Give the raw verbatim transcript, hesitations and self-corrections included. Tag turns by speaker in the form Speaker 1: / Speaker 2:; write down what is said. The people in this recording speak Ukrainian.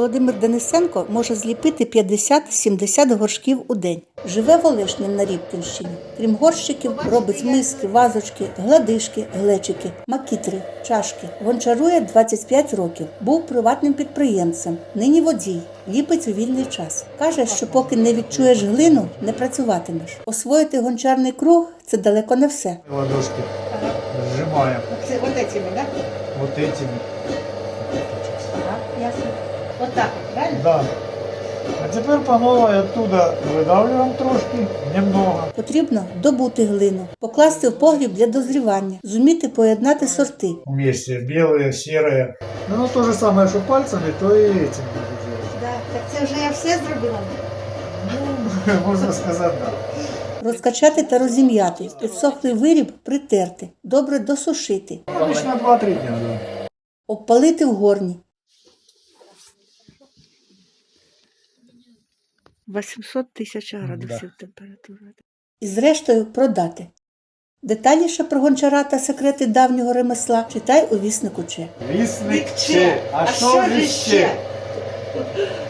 Speaker 1: Володимир Денисенко може зліпити п'ятдесят-сімдесят горшків у день. Живе в Олешні на Рібківщині. Крім горщиків, робить миски, вазочки, гладишки, глечики, макітри, чашки. Гончарує двадцять п'ять років. Був приватним підприємцем. Нині водій. Ліпить у вільний час. Каже, що поки не відчуєш глину, не працюватимеш. Освоїти гончарний круг – це далеко не все.
Speaker 2: Ладошки сжимаем.
Speaker 1: Це от этими, так?
Speaker 2: Вот этими.
Speaker 1: Ага, ясно. Вот так, правильно?
Speaker 2: Да. А теперь по новой оттуда выдавливаем трошки, немного.
Speaker 1: Потрібно добути глину, покласти в погріб для дозрівання, зуміти поєднати сорти.
Speaker 2: Вместе белые, серые. Ну, то же самое, что пальцами, то и этим буду делать.
Speaker 1: Да, так це вже я все зробила.
Speaker 2: Ну, можно сказать, да.
Speaker 1: Розкачати та розім'яти, підсохлий виріб притерти, добре досушити,
Speaker 2: Обычно два-три дня, да.
Speaker 1: обпалити в горні. вісімсот тисяч градусів температура. І зрештою продати. Детальніше про гончара та секрети давнього ремесла читай у віснику Че.
Speaker 2: Вісник Че. А що ж ще?